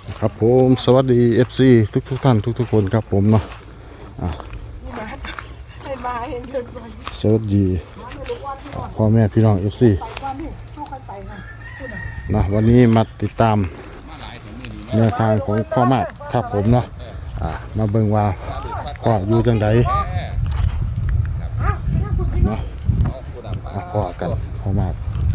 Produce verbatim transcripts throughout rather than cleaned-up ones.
ครับผมสวัสดี เอฟ ซี ทุกทุกท่านทุกทุกคนครับผมเนาะสวัสดีพ่อแม่พี่น้อง เอฟ ซี นะวันนี้มาติดตามแนวทางของพ่อมากครับผมเนาะอ่ามาเบิ่งว่าพ่ออยู่จังใดเนาะพ่อกันพ่อมาก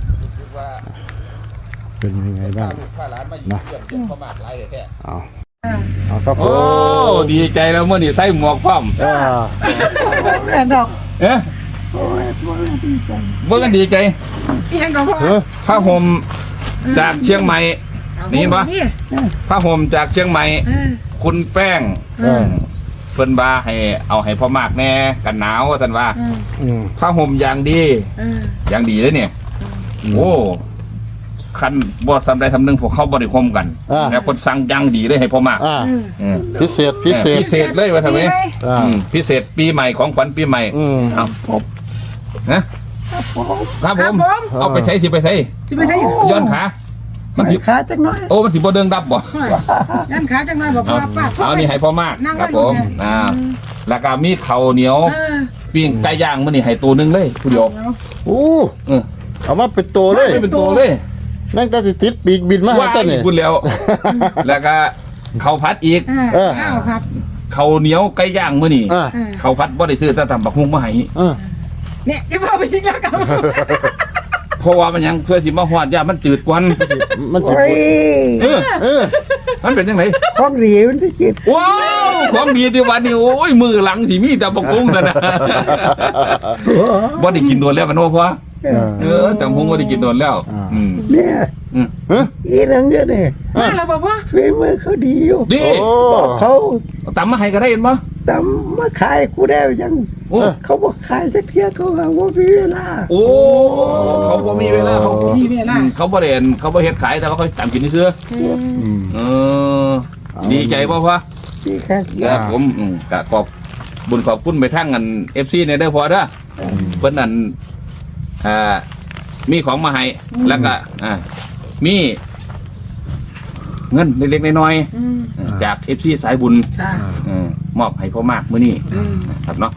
เป็นยังไงบ้างเนาะเอาเอาครับผโอ้มดีใจแล้วเมื่อนี่ใส่หมวกพร้อมอ่าแม่ดอกเอ๊ะโอ้ยโอ้ยดีใจเมื่อกันดีใจเอียงดอกพ่อเฮ้ยผ้าห่มจากเชียงใหม่นี่ปะผ้าห่มจากเชียงใหม่เออคุณแป้งเออเพิ่นบาให้เอาให้พ่อมากแน่กันหนาวท่านว่าเอออืมผ้าห่มอย่างดีเอออย่างดีเลยเนี่ยโอ้คันบอดทำใดทำหนึ่งพวกเขาบริคมกันอ่าแล้วคนสั่งอยังดีเลยให้พ่อมากอ่าอืมพิเศษพิเศษพิเศษเลยว่าทำไมอ่าอืมพิเศษปีใหม่ของขวัญปีใหม่อืมเอานะคครัรับบ ผผม มเอาไปใช้สิไปใช้จะไปใช้ย้อนขามันสิขาจังน้อยโอ้มันสิบ่เดิงดับบ่ยันขาจังน้อยบอกเอาว่าป้าเอานี่ให้พ่อมากนั่งครับไว้ผมดูเนี่ยอ่าแล้วก็มีข้าวเหนียวเออปิ้งไก่ย่างมื้อนี้ให้ตัวหนึงเลยผู้เดียวโอ้เออเอามาเป็นตัวเลยไม่เป็นตัวเลยแม่งก็สิติดปีกบินมาให้ว่ากันนี่พูดแล้ว แล้วก็ข้าวผัดอีกเออข้าวครับข้าวเหนียวไก่ย่างมื้อนี้อ่าเออข้าวผัดบ่ได้ซื้อแต่ตำบักหุ่งมาให้อ่าเนี่ยจะพาไปยิงแล้วกันเพราะว่ามันยังเพื่อสิมาฮอดย่ามันจืดกว่ามันสิโอ้ยเออเออมันเป็นจังไดของดีมันที่จิตว้าวของดีที่วันนี้โอ้ยมือหลังสิมีแต่บักหุ่งซะนะบ่ได้กินโดนแล้วมันว่าพอเออเออจำพงว่าได้กินโดนแล้ว อืมเนี่ยอืมเฮ้ยอีนังเนี่ยเนี่ยมาแล้วบอกว่าฝีมือเขาดีอยู่ดีโอ้บอกเขาตำมาให้ก็ได้เห็นปะแต่มาขายกูได้ยังโอ้เขาบอกขายจักเที่ยเขาหาว่ามีเวลาโอ้เขาบ่มีเวลาเขาบ่มีเวลาอืมเขาบ่ได้เห็นเขาบ่เฮ็ดขายแต่ว่าเขาตำกินซื่ออืมเออดีใจป่ะพ่อดีแค่ครับผมอืมก็ขอบบุญขอบคุณไปทั้งกัน เอฟ ซี เนี่ยเด้อพอเด้อเพิ่นนั่นอ่ามีของมาให้แล้วก็อ่ามีเงินเล็กๆน้อยอืมๆจาก เอฟ ซี สายบุญค่ะเออมอบให้พ่อมากมื้อนี้อืมครับเนาะ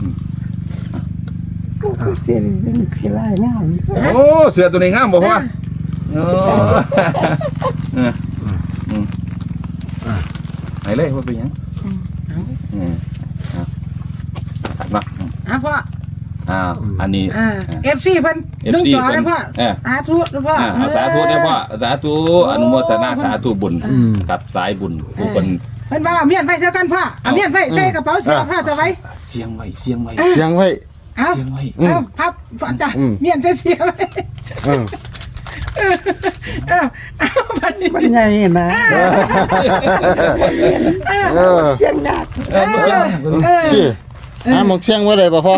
เสียเป็นเสียลายงามโอ้เสือตัวนี้งามบ่พ่อโอ้เอออืมไหนเลยว่าเป็นหยังอืมครับครับเนาะอ่ะพ่ออ่าอันนี้อ่าเอฟซีเพิ่นเอฟนึ่งซีจอเลยพ่อเออสาธุนะพ่ออ่าเอาสาธุเนี่ยพ่อสาธุอนุโมทนาสาธุบุญกับสายบุญผู้คนเพิ่นว่าเอาเมียนไฟใส่กันพ่อเอาเมียนไฟใส่กระเป๋าเสียพ่อจะไว้เสียงไว้เสียงไว้เสียงไว้เอาเสียงไว้เอาพับพ่อจ้ะอืมเมียนใส่เสียไว้เออเอาเอาบัดนี้มันใหญ่นะเออเสียงหนักเออเสียงไว้เออพี่หาหมกเสียงไว้ได้ป่ะพ่อ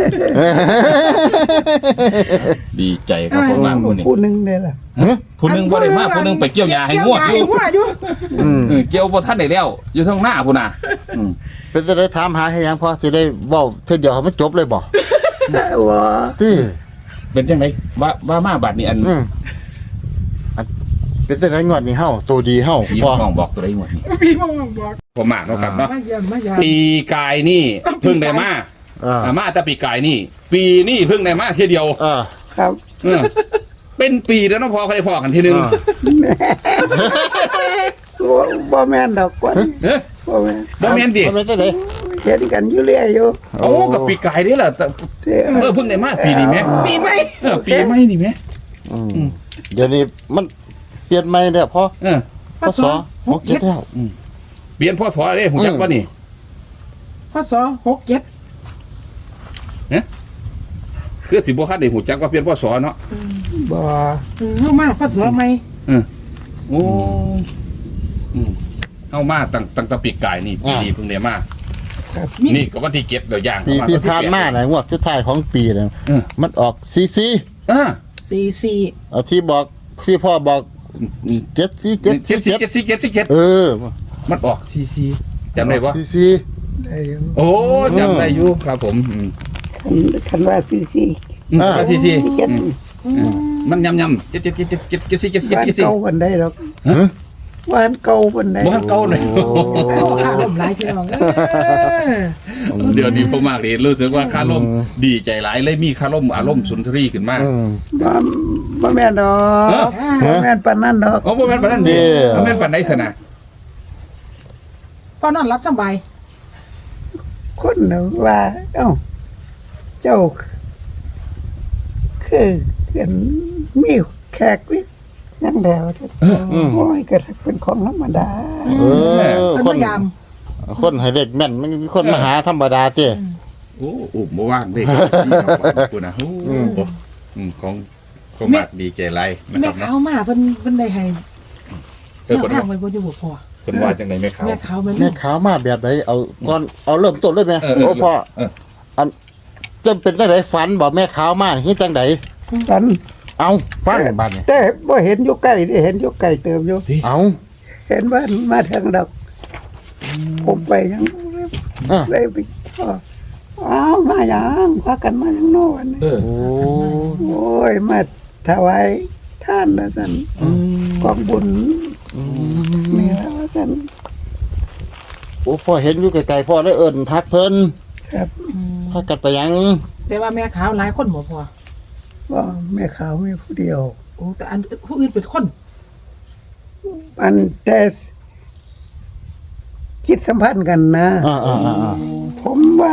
ดีใจครับพ่อมากผู้นี้ผู้หนึ่งเลยล่ะผู้หนึงบ่ได้มาผู้หนึงไปเกี่ยวยาให้งวดอเกี่ยู่ยวหญ้าให้งัวอยู่อืมเออเกี่ยวบ่ทันได้แล้ว อยู่ทางหน้าพุ่นน่ะอืมเป็นจะได้ถามหาให้หยังพ่อสิได้เว้าเท่าเดียวให้มันจบเลยบ่ว่าที่เป็นจังไดว่าว่ามาบัดนี้อันอืมอันเป็นจะได้งวดนี้เฮาตัวดีเฮาพี่พ่อน้องบอกตัวใดงวดนี้พี่มองบอกพ่อมากเนาะครับเนาะมาเยี่ยมมาเยี่ยมปีกายนี่เพิ่งได้มาอ่าอ่ามาแต่ปีกายนี่ ปีนี่เพิ่งได้มาเทียเดียวอ่าครับเออเป็นปีแล้วเนาะพอเขาได้พอกันทีนึงอ่าว่าบ่แม่นดอกกวนเฮ้ยบ่แม่นบ่แม่นดิบ่แม่นจังได๋เห็นกันอยู่เรื่อยอยู่โอ้กับปีกายนี่แหละแต่เด้อเออเพิ่งได้มาปีนี้แม่ปีใหม่เออปีไม่นี่แม่อืมเดี๋ยวนี้มันเปลี่ยนใหม่แล้วพ่อเออพศหกเจ็ดแล้วเปลี่ยนพ่อสอเด้ผมจักว่านี่พศหกเจ็ดคือสิบ่คันได้หูจักว่าเปลี่ยนพ่อสอเนาะบ่เข้ามาพศใหม่โอ้อืมเอามาตั้งตั้งแต่ปีกายนี่ปีนี้เพิ่งได้มานี่ก็วันที่เจ็ดเดี๋ยวย่างปีเข้ที่วัผ่านมาน่ะงวดสุดท้ายของปีน่ะเออมันออกซีซีอ่าสี่สี่เอาที่บอกที่พ่อบอกเจ็ดซีเจ็ดเจ็ดสิเจ็ดเจ็ดสิเจ็ดสิเจ็ดเออมันออกซีซีจำได้ปะซีซีได้อยู่โอ้จำได้อยู่ครับผมอืมคันคันว่าซีซีอืมก็ซีซีเจ็ดอืมมันยำยำเจ็ดเจ็ดเจ็ดเจ็ดเจ็ดเจ็ดสี่เจ็ดสี่บ้านเจ็ดสี่เก่ากันได้ดอกฮะหวานเก่าปานใดบ้านเก่าเลยเอาข้าลมหลายพี่น้องเออเดี๋ยวนี้พ่อมากเลยรู้สึกว่าคาร่มดีใจหลายเลยมีคาร่มอารมณ์สุนทรีขึ้นมากอืมบ่บ่แม่นดอกบ่แม่นปานนั้นดอกอ๋อบ่แม่นปานนั้นเด้เด้บ่แม่นปานใดซะนะพอนอนรับสบายคนน่ะว่า เอ้า เจ้า คือเห็นมีแขกวิยังแล้วจะอืมโอ้ยก็เป็นของธรรมดาเออเป็นคนพยายามคนให้เด็กแม่นมันมีคนมาหาธรรมดาติโอ้อุ้มบ่ว่างเด้ที่ครับขอบคุณนะโอ้อืมของของมากดีใจหลายนะแม่ครับขาวเนาะมาเพิ่นเพิ่นได้ให้เออแนเพิ่วน ทางว่าไว้บ่อยู่บ่พอเพิ่นว่าจังได๋แม่ขาวแม่ขาวมันแม่ขาวมาแบบไหนเอาก่อนเอาเริ่มต้นเลยไหมเออเออโอ้พ่อเอออันจะเป็นจังไดฝันบอกแม่ขาวมาคือจังไดฉันเอาฟังบัดนี้แต่บ่เห็นอยู่ใกล้ได้เห็นอยู่ไกลเติมอยู่เอาเห็นว่ามาทางดอก ผมไปยังอ่ะเลยไปก็อ้าวมาหยังพากันมาหยังโน่นเออโอ้โอ้ยมาถวายท่านนะสันกองบุญอืมนี่แล้วสันโอ้พ่อเห็นอยู่ไกลๆพ่อเลยเอิ้นทักเพิ่นครับพากันไปหยังแต่ว่าแม่ขาวหลายคนบ่พอว่าแม่ขาวไม่ผู้เดียวโอ้แต่อันผู้อื่นเป็นคนอันแต่คิดสัมพันธ์กันนะอ่าอ่าอ่าอ่าผมว่า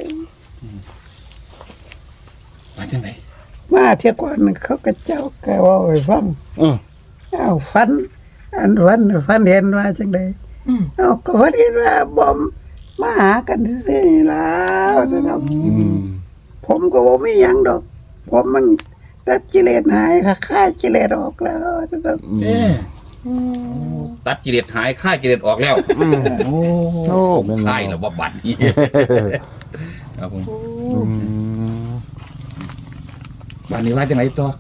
มาจังได๋มาเที่ยวก่อนเขาก็เจ้าแกว่าให้ฟังเอออ้าวฟัน อันฟันฟันเห็นว่าจังไดอืมอ้าวก็ฟันเห็นว่าบอมมาหากันซื่อๆนี่แล้วสนองอืมผมก็บ่มีหยังดอก ผมมันตัดกิเลสหายค่ะค่ายกิเลสออกแล้วสนองเออตัดกิเลสหายฆ่ากิเลสออกแล้วโอ้โอ้แม่นคลายแล้วบ่บัดนี้ครับผมอืมบัดนี้ว่าจังได๋ต่อ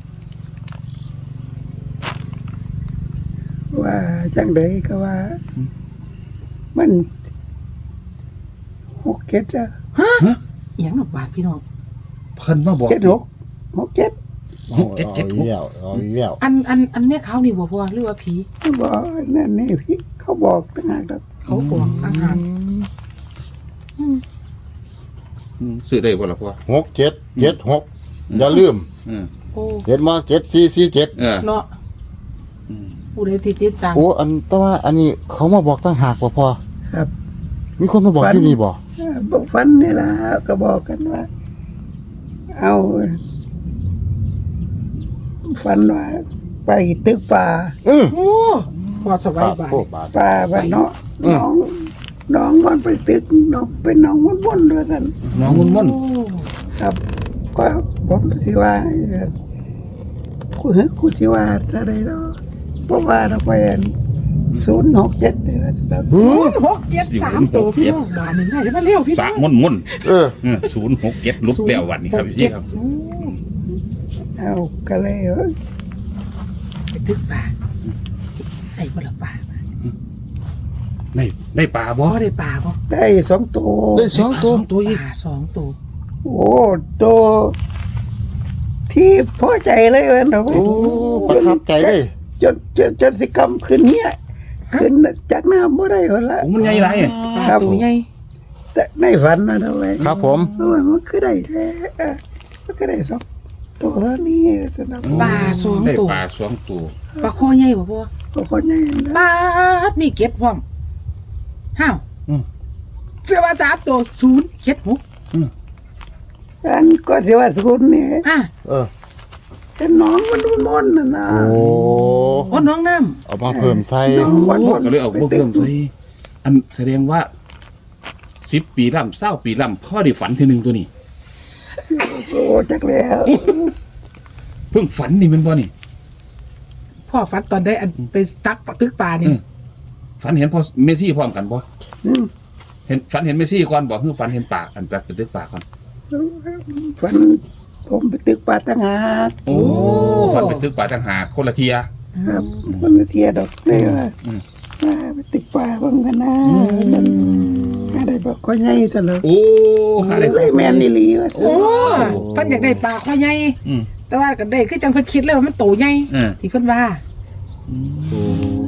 ว่าจังไดก็ว่า มันหกเจ็ดอะเอียงหนอกบาดพี่น้องเพิ่นมาบอกเจ็ดหกหกเจ็ดหกเจ็ดเจ็ดหกเอาอีกแล้วเอาอีกแล้วอันอันอันแม่ขาวนี่บ่พอหรือว่าผีบอกนั่นนี่พี่เขาบอกต่างหากดอกเขาบอกอาหารอืมซื้อได้บ่ล่ะพ่อหกเจ็ดเจ็ดหกอย่าลืมอืมโอ้เห็นมาเจ็ดสี่สี่เจ็ดเออเนาะอืมผู้ใดที่ติดตามโอ้อันแต่ว่าอันนี้เขามาบอกตั้งหากว่าพอครับมีคนมาบอกที่นี่บอกเออบอกฟันนี่ล่ะก็บอกกันว่า เอาฟันว่าไปตึกป่าเออโอ้พอสบายบาดโอ้บาทป่าบ้านเนาะอืมน้องน้องมันไปตึกน้องเป็นน้องมันวนๆด้วยกันน้องมุ่นมุ่นโอ้ครับ ก็ผมสิว่าเอ่อกูเฮ้กูสิว่าจะได้เนาะเพราะว่าเราไปศูนย์หกเจ็ดเนี่ยนะหือหกเจ็ดสามตัวพี่น้องบาดนี่ได้มาเร็วพี่สะน้องมุ่นมุ่นเออเออศูนย์หกเจ็ดลุกแล้ววันนี้ครับพี่ครับโอ้เอาก็เลยเอ้ยไปตึกป่าไอ้บ่ละป่าได้ได้ปลาบ่บ่ได้ป่าบ่ได้สองตัวได้สองตัวตัวอีกป่าสองตัวโอ้ตัวที่พอใจเลยเว้ยเนาะโอ้ประทับใจเลยจนจนจนสิกรรมขึ้นเนี่ยขึ้นจากน้ำบ่ได้คนละโอ้มันใหญ่ไรอ่ะป่าครับตัวใหญ่แต่ในฝันนะทำไมครับผมโอ้ยมันคือได้แท้เอ้อมันก็ได้สองตัวแล้วนี่สนับป่าสองได้ตัวปลาสองตัวปลาคอใหญ่บ่พ่อก็คนใหญ่นะปลาดมีเก็ดพร้อมห้าวอืมเสื้อว่าสามตัวศูนย์เจ็ดหกอันก็สิว่าศูนย์เนี่ยอ่ะเออแต่น้องมันมันมนน่ะนะโอ้โอ้น้องน้เอามาเพิ่มใส่น้องมันมนก็เลยเอาพวกเพิ่มใส่อันแสดงว่าสิบปีล่ำเศร้าปีล่ำพ่อได้ฝันทีหนึ่งตัวนี้โอ้จักแล้วเพิ่งฝันนี่มันบ่นี่ำพ่อฟัดตอนได้อันไปตักปลาตึกปลานี่อืม ฝันเห็นพ่อเมซี่พร้อมกันบ่อืมเห็นฝันเห็นเมซี่ก่อนบ่คือฝันเห็นปากอันแบบเป็นตึกปากก่อนฝันผมไปตึกป่าตั้งหากโอ้ฝันเป็นตึกปากต่างหากคนละเทียครับมันเทียดอกเลยว่าอืมว่าไปตึกป่าบ้างกันนะมันอะไรบอกก็ใหญ่ซะแล้วโอ้หาได้เลยแม่นอีหลีว่าโอ้เพิ่นอยากได้ปลาคอใหญ่อืมแต่ว่าก็ได้คือจังเพิ่นคิดเลยว่ามันโตใหญ่เออที่เพิ่นว่า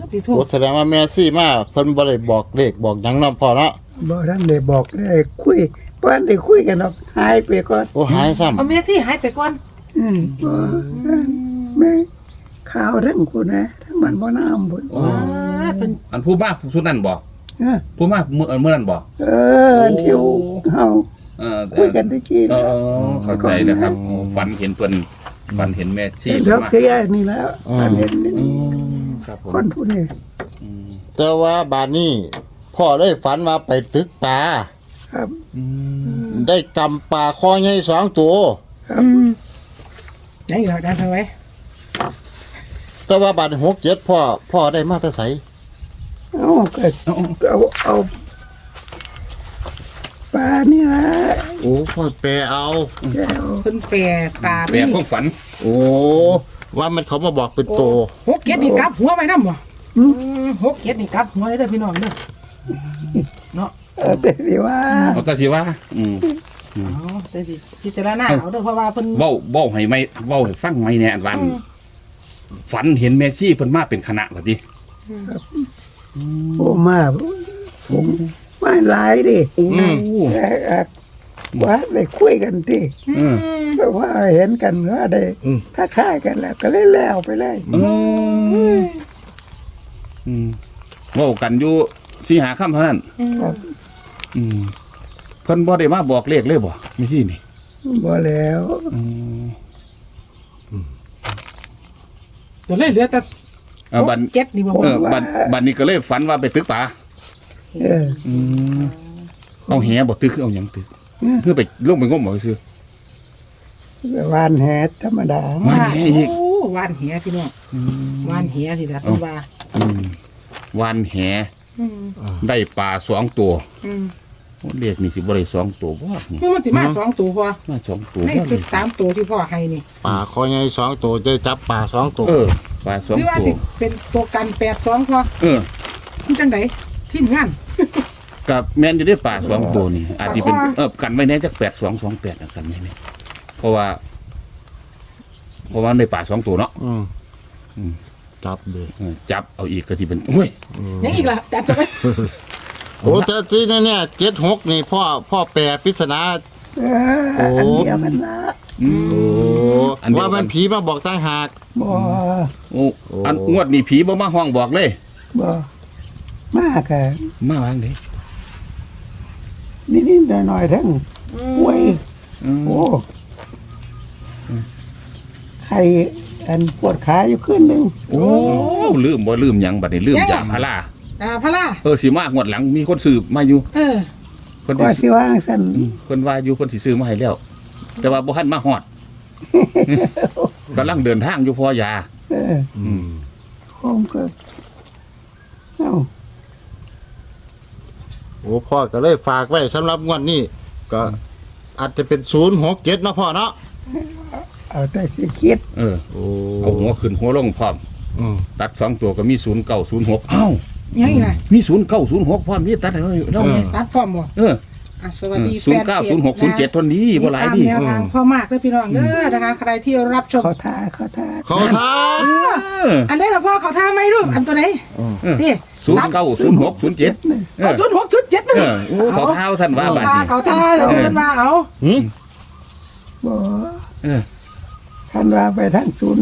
ที่ถูโอ้กแสดงว่าแม่ซี่มาเพิ่นบ่ได้บอกเลขบอกหยังนำพ่อเนาะบ่ทันได้บอกได้คุยบ่ทันได้คุยกันหรอกหายไปก่อนโอ้หายซ้ำเอาเมซี่หายไปก่อนอืมบ่แม่ข่าวทั้งคุณนะทั้งมันบ่น้ำพุ่นอ่าเป็นอันผู้มาผู้นั้นบอกเออผู้มาเมื่อเมื่อนั้นบอกเออเที่ยวเฮาเออคุยกันตะกี้เอนะอเข้าใจนะครับโอ้ฝันเห็นเพิ่นฝันเห็นแม่ชีเดี๋ยวมาเคลียร์นี่แล้วอันเห็นนี่อืมครับผมคนผู้นี้อืมแต่ว่าบาดนี้พ่อได้ฝันว่าไปตึกปลาครับอืมได้กำปลาคอใหญ่สองตัวครับอืมไหนอีกแล้วได้ทางไว้แต่ว่าบาดหกเจ็ดพ่อพ่อได้มาแต่ไสเอาก็เอาเอาปลานี่ละโอ้พ่อแปลเอาแก้วเพิ่นแปรตาแปลความฝันโอ้ว่ามันเขามาบอกเป็นโตหกเก็ดนี่กลับหัวไว้นำบ่อืมอืมหกเก็ดนี่กลับหัวเลยเด้อพี่น้องเด้อเนาะเออแต่สิว่าเอาแต่สิว่าอืมเอาแต่สิพิจารณาเอาเด้อเพราะว่าเพิ่นเว้าเว้าให้ไม่เว้าให้ฟังไม่แน่อันวันอืมฝันเห็นแม่ชีเพิ่นมาเป็นคณะว่าติโอ้มาผมมาหลายดิโอ้แต่อ่ะว่าได้คุยกันที่เออเพราะว่าเห็นกันว่าได้ทักทายกันแล้ว ก็เลยแล้วไปเลยเอออืมเว้ากันอยู่สี่หาค่ำเท่านั้นครับอืมเพิ่นบ่ได้มาบอกเลขเลยบ่ไม่ที่นี่บ่แล้วอืมเดี๋ยวเลยเหลือแต่เออบันหกเก็ดนี่บ่เออบันบันนี้ก็เลยฝันว่าไปตึกป่าเอออืมเอาแหบ่ตึกคือเอาหยังตึกเพื่อไปลงไปงมเอาซื่อวานแหธรรมดามาแหอีกโอ้วานเหียพี่น้องวานเหียสิล่ะเพิ่นว่าอืมวันแหอืมได้ปลาสองตัวอืมเลขนี่สิบ่ได้สองตัวบ่นี่คือมันสิมาสองตัวพอมาสองตัวในบ่สุนี่ดสามตัวที่พ่อให้นี่ปลาคอใหญ่สองตัวจะจับปลาสองตัวเออปลาสองหรือว่าตัสิวเป็นตัวกันแปดสองพอเออมันจังไดทีมงานกับแม่นอยู่ได้ปลาสองตัวนี่อาจจะเป็นปลาคอเออกันไว้แน่จักแปดสองสองแปดกันไว้แน่เพราะว่า เพราะว่าในปลาสองตัวเนาะอืมอืมจับเลยเออจับเอาอีกก็สิเป็นโอ้ยยังอีกล่ะจัดซะไว้โอ้แต่ที่นี่เนี่ยเจ็ดหกนี่พ่อพ่อแปลปริศนาเอออันเดียวกันละอืมโอ้อันเดียวกันว่ามันผีมาบอกตั้งหากบ่โอ้อันงวดนี้ผีบ่มาห้องบอกเลยบ่มากอะมาวางเด้นิดๆหน่อยๆทั้งหวยอืมโอ้ใครอันปวดขาอยู่ขึ้นหนึ่งโอ้ลืมบ่ลืมหยังบัดนี้ลืมยาพาราอ่าพะล่าเออสิมางวดหลังมีคนซื้อมาอยู่เออเพิ่นก็สิสิว่าสั่นอืมเพิ่นว่าอยู่เพิ่นสิซื้อมาให้แล้ว แต่ว่าบ่ทันมาฮอด กำลังเดินทางอยู่พอยาเอออืมผมก็เอ้าโอ้พ่อก็เลยฝากไว้สำหรับงวดนี้ก็อาจจะเป็นศูนย์หกเจ็ดเนาะพ่อเนาะเอาแต่สิคิดเออโอ้เอาหัวขึ้นหัวลงพร้อมอืมตัดสองตัวก็มีศูนย์เก้าศูนย์หกเอ้ายังอีกล่ะมีศูนย์เก้าศูนย์หกพร้อมนี่ตัดให้เราแล้วไงตัดพร้อมบ่เอออ่ะสวัสดีศูนย์เก้าศูนย์หกศูนย์เจ็ดทนนี้บ่หลายดิติดตามแนวทางพ่อมากเด้อพี่น้องเด้อนะคะใครที่รับชมเขาทาเขาทาเขาท้าเอออันนี้ล่ะพ่อเขาท่าไหมรูปอันตัวไหนนี่ศูนย์เก้าศูนย์หกศูนย์เจ็ดเอเอาอชุดหกชุดเจ็ดนั่นเออโอ้เขาเท้าท่านว่าบัดท่านี้เขาท่าเราเพิ่นว่าเอาหืมบ่เออท่านว่าไปทางศูนย์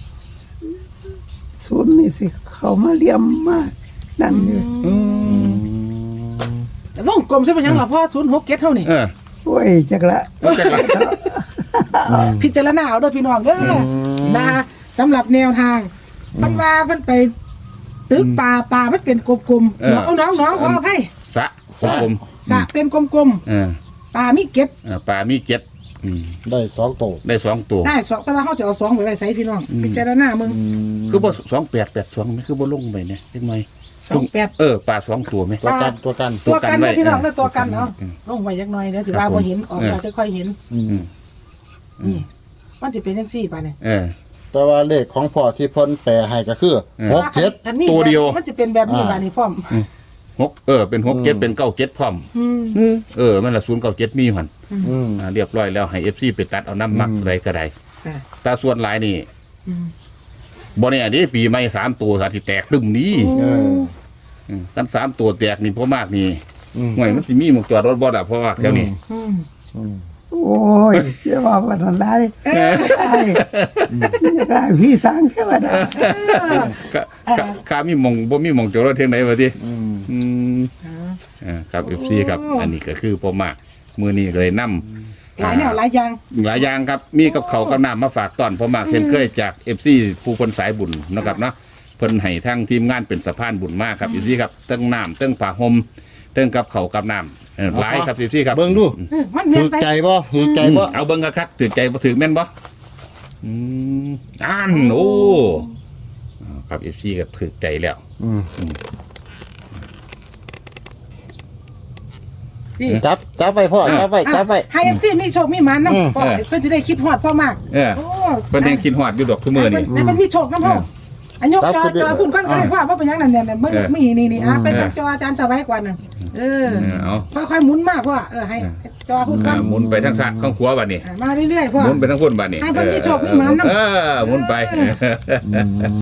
ศูนย์นี่สิ เขามาเลี่ยมมากนั่นอยู่อืมแต่วงกลมใช่ไหมยังล่ะพ่อศูนย์หกเจ็ดเท่านี่เออโอ้ยจักละเอาจังหวะพิจารณาเอาเด้อพี่น้องเด้อนะสำหรับแนวทางมันว่ามันไปตึกป่าป่ามันเป็นกลมๆเอาน้องน้องขออภัยสะสะผมสระเป็นกลมเออๆป่ามีเก็ดเออปลามีเจ็ดอืมได้สองตัวได้สองตัวได้สองแต่ว่าเขาจะเอาสองไว้ไว้ใส่พี่น้องพิจารณามึงคือบ่สองแปดแปดสองไหมคือบ่ลงไปเนี่ยเป็นไหมสองแปดเออปลาสองตัวไหมตัวกันตัวกันตัวกันไว้นะพี่น้องเออเด้อตัวกันตัวกันเนาะอืมลงไว้ยักหน่อยเดี๋ยวถือครัว่าบพอเห็นออกเออเราจะค่อยเห็นอืมนี่มันจะเป็นจังซี่ป่ะเนี่ยเออแต่ว่าเลขของพ่อที่เพ้นแปลให้ก็คือเออหกเจ็ดอันนี้ตัวเดียวมันจะเป็นแบบนี้ป่ะนี่พ่อมหกเออเป็นหกเจ็ดเป็นเก้าเจ็ดพร้อมอืมเออมันละศูนย์เก้าเจ็ดมีหันอืมอ่าเรียบร้อยแล้วให้เอฟซีไปตัดเอาน้ำมักอืมอะไรก็ได้ค่ะแต่ส่วนหลายนี่อืมบ่แน่เด้ปีใหม่สามตัวอาจสิแตกตึมนี้เอออืมกันสามตัวแตกนี่พ่อมากนี่อืมห่วยมันสิมีหมกจอดรถบ่ล่ะเพราะว่าแถวนี้อืมอืมโอ้ยจะว่าวันนั้นได้ได้ได้พี่สร้างแค่ว่าได้ก็ก็ข้ามีหมองบ่มีหมองจอดรถเทงไหนวะติอืมอืมอ่าครับ เอฟ ซี ครับ อันนี้ก็คือพ่อมากมื้อนี้เลยนำหลายแนวหลายอย่างหลายอย่างครับมีกับเขาวกับน้ำมาฝากตอนพ่อมากเช่นเคยจาก เอฟ ซี ผู้คนสายบุญเนาะครับเนาะเพิ่นให้ทั้งทีมงานเป็นสะพานบุญมากครับ เอฟ ซี ครับเติ้งน้ำเติ้งผ้าห่มเติ้งกับเขาวกับน้ำเออหลายครับ เอฟ ซี ครับเบิ่งดูเออมันเมียถืนอไปใจบ่ถือใจบ่เอาเบิ่งคักๆถือใจบ่ถือแม่นบ่อืมอ่านโอ้ครับ เอฟ ซี ก็ถือใจแล้วอืมนี่จับจับไว้พ่อจับไว้จับไว้ให้เอฟซีมีโชคมีหมันอืมน้ำพ่อเพื่อนจะได้คิดฮอดพ่อมากเออโอ้เพิ่นยังคิดฮอดอยู่ดอกทุกมื้อนี่ให้มันมีโชคนะพ่อเอออันยกจอจอคุณก้อนก็ได้ว่าว่าเป็นยังนั่นเนี่ยเนี่ยเออไม่นี่นี่อ่ะอืมเป็นจออาจารย์สบายกว่าน่ะเออเออเอาค่อยๆหมุนมากพ่อเออให้จอคุณก้ออ่าน หมุนไปทางซ้ายข้างขวาบัดนี้อ่ะมาเรื่อยๆพ่อหมุนไปทางพุ่นบัดนี้ให้เพิ่นมีโชคมีหมานนำเออหมุนไปอืม